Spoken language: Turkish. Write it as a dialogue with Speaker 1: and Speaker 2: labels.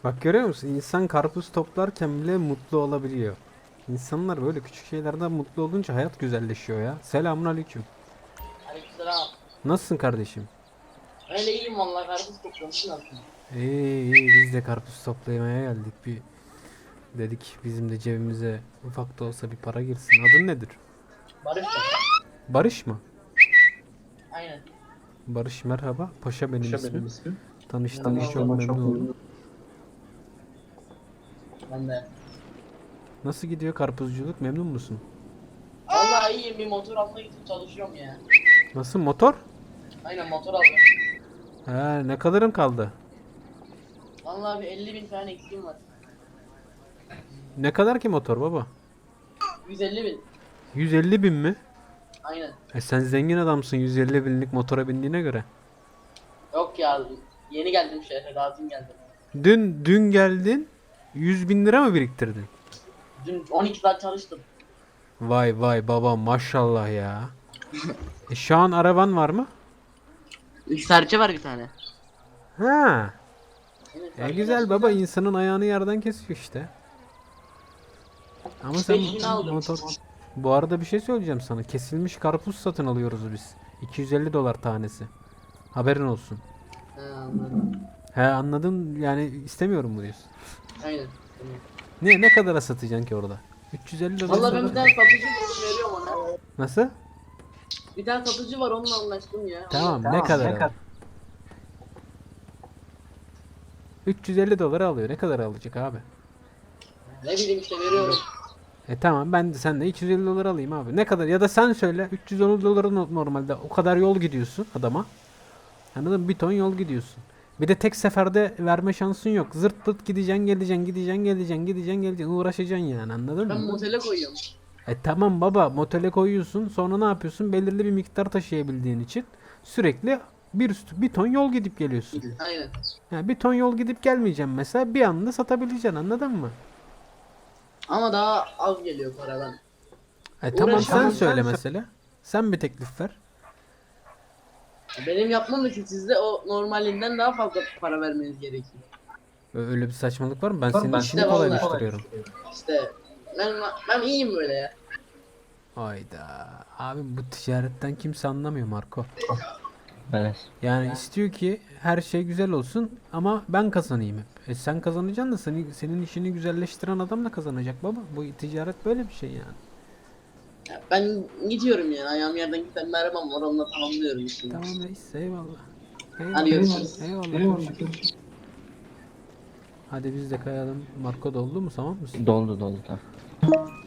Speaker 1: Bak görüyor musun? İnsan karpuz toplarken bile mutlu olabiliyor. İnsanlar böyle küçük şeylerden mutlu olunca hayat güzelleşiyor ya. Selamünaleyküm.
Speaker 2: Aleykümselam.
Speaker 1: Nasılsın kardeşim?
Speaker 2: Öyle iyiyim vallahi karpuz topluyorum. Siz nasılsınız?
Speaker 1: İyi biz de karpuz toplamaya geldik. Bir dedik bizim de cebimize ufak da olsa bir para girsin. Adın nedir?
Speaker 2: Barış da.
Speaker 1: Barış mı?
Speaker 2: Aynen.
Speaker 1: Barış merhaba. Paşa benim ismim. Tanıştığıma
Speaker 2: Merhaba.
Speaker 1: çok memnun oldum.
Speaker 2: Ben de.
Speaker 1: Nasıl gidiyor karpuzculuk? Memnun musun?
Speaker 2: Vallahi iyiyim, bir motor almaya gidip çalışıyorum ya.
Speaker 1: Nasıl motor?
Speaker 2: Aynen, motor aldım.
Speaker 1: He, ne kadarın kaldı?
Speaker 2: Vallahi bir 50.000 falan eksiğim var.
Speaker 1: Ne kadar ki motor baba?
Speaker 2: 150.000.
Speaker 1: 150 bin mi?
Speaker 2: Aynen.
Speaker 1: Sen zengin adamsın 150 binlik motora bindiğine göre.
Speaker 2: Yok ya, yeni geldim şehre, daha dün geldim.
Speaker 1: Dün geldin 100 bin lira mı biriktirdin?
Speaker 2: Dün 12 saat çalıştım.
Speaker 1: Vay vay baba maşallah ya. Şu an araban var mı?
Speaker 2: Serçe var bir tane.
Speaker 1: Ha.
Speaker 2: Evet,
Speaker 1: Güzel baba insanın ayağını yerden kesiyor işte. Ama sen
Speaker 2: 5.000 aldım.
Speaker 1: motor... Bu arada bir şey söyleyeceğim sana. Kesilmiş karpuz satın alıyoruz biz. 250 dolar tanesi. Haberin olsun.
Speaker 2: He, anladım.
Speaker 1: He anladın yani istemiyorum mu diyorsun?
Speaker 2: Aynen. Tamam.
Speaker 1: Ne kadara satacaksın ki orada? 350 dolar
Speaker 2: Vallahi ben bir tane satıcı buldum, veriyorum ona.
Speaker 1: Nasıl?
Speaker 2: Bir tane satıcı var, onunla anlaştım ya.
Speaker 1: Tamam ne kadar alır? 350 dolara alıyor. Ne kadar alacak abi?
Speaker 2: Ne bileyim işte, veriyorum.
Speaker 1: Tamam ben de senden 250 dolar alayım abi. Ne kadar? Ya da sen söyle 310 dolara normalde o kadar yol gidiyorsun adama. Anladın mı? Bir ton yol gidiyorsun. Bir de tek seferde verme şansın yok. Zırt pırt gideceksin geleceksin gideceksin geleceksin gideceksin geleceksin uğraşacaksın yani anladın
Speaker 2: Ben
Speaker 1: mı?
Speaker 2: motele koyuyorum.
Speaker 1: Tamam baba motele koyuyorsun sonra ne yapıyorsun? Belirli bir miktar taşıyabildiğin için sürekli bir ton yol gidip geliyorsun.
Speaker 2: Aynen.
Speaker 1: Yani bir ton yol gidip gelmeyeceğim mesela bir anda satabileceksin anladın mı?
Speaker 2: Ama daha az geliyor paradan.
Speaker 1: Tamam sen
Speaker 2: Uğraşamam.
Speaker 1: söyle mesela. Sen bir teklif ver.
Speaker 2: Benim yapmam için sizde o normalinden daha fazla para vermeniz gerekiyor.
Speaker 1: Öyle bir saçmalık var mı? Ben senin işini
Speaker 2: İşte
Speaker 1: kolaylaştırıyorum.
Speaker 2: İşte ben iyiyim böyle ya.
Speaker 1: Hayda. Abi bu ticaretten kimse anlamıyor Marco.
Speaker 3: Evet.
Speaker 1: Yani istiyor ki her şey güzel olsun ama ben kazanayım hep. Sen kazanacaksın da senin işini güzelleştiren adam da kazanacak baba. Bu ticaret böyle bir şey yani.
Speaker 2: Ben gidiyorum yani, ayağım yerden giden bir arabam var, onunla tamamlıyorum işimi.
Speaker 1: Tamam reis eyvallah. Eyvallah.
Speaker 2: Hadi görüşürüz.
Speaker 1: Eyvallah. Görüşürüz. Hadi biz de kayalım. Marco doldu mu tamam mısın?
Speaker 3: Doldu tamam.